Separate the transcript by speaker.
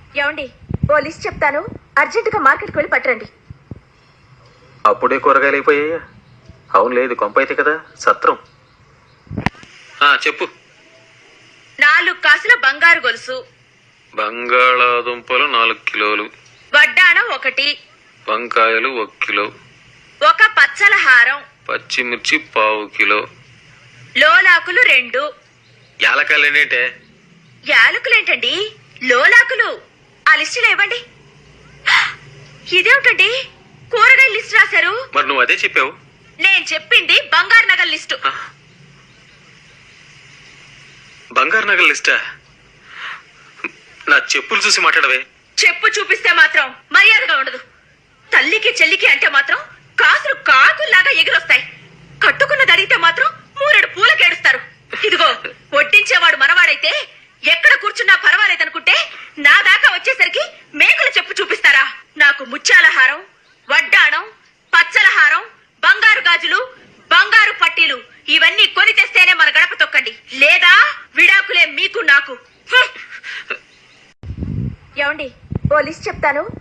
Speaker 1: ఏమండి, ఓ లిస్ట్ చెప్తాను, అర్జెంటుగా మార్కెట్కి వెళ్ళి పట్టరండి.
Speaker 2: అప్పుడే కూరగాయలు అయిపోయాయా? అవును, లేదు కొంప అయితే కదా సత్రం. చెప్పు.
Speaker 1: 4 కాసుల బంగారు గొలుసు,
Speaker 2: బంగాళాదుంపలు 4 కిలోలు,
Speaker 1: వడ్డాణం 1,
Speaker 2: వంకాయలు 1 కిలో,
Speaker 1: 1 పచ్చల హారం,
Speaker 2: పచ్చిమిర్చి 1/2 కిలో,
Speaker 1: లోలాకులు 2.
Speaker 2: యాలకాయలు ఏంటంటే?
Speaker 1: యాలకులేంటండి, లోలాకులు. ఆ లిస్టులో ఇవ్వండి. ఇదేమిటండి, కూరగాయల లిస్టు రాశారు?
Speaker 2: మరి నువ్వు అదే చెప్పావు.
Speaker 1: నేను చెప్పింది బంగారు నగల లిస్టు.
Speaker 2: బంగారు నగల లిస్టా? నా చెప్పులు చూసి మాట్లాడవే.
Speaker 1: చెప్పు చూపిస్తే మాత్రం మర్యాదగా ఉండదు. తల్లికి చెల్లికి అంటే మాత్రం కాసులు కాకుల్లాగా ఎగిరొస్తాయి. కట్టుకున్నది అడిగితే మాత్రం 3 పూలకేడుస్తారు. ఇదిగో, వడ్డించేవాడు మనవాడైతే ఎక్కడ కూర్చున్నా పర్వాలేదనుకుంటే నా దాకా వచ్చేసరికి మేకులు చెప్పు చూపిస్తారా? నాకు ముత్యాల హారం, వడ్డాణం, పచ్చల హారం, బంగారు గాజులు, బంగారు పట్టీలు ఇవన్నీ కొని తెస్తేనే మన గడప తొక్కండి, లేదా విడాకులే మీకు నాకు. ఏమండి, ఓ లిస్ట్ చెప్తాను,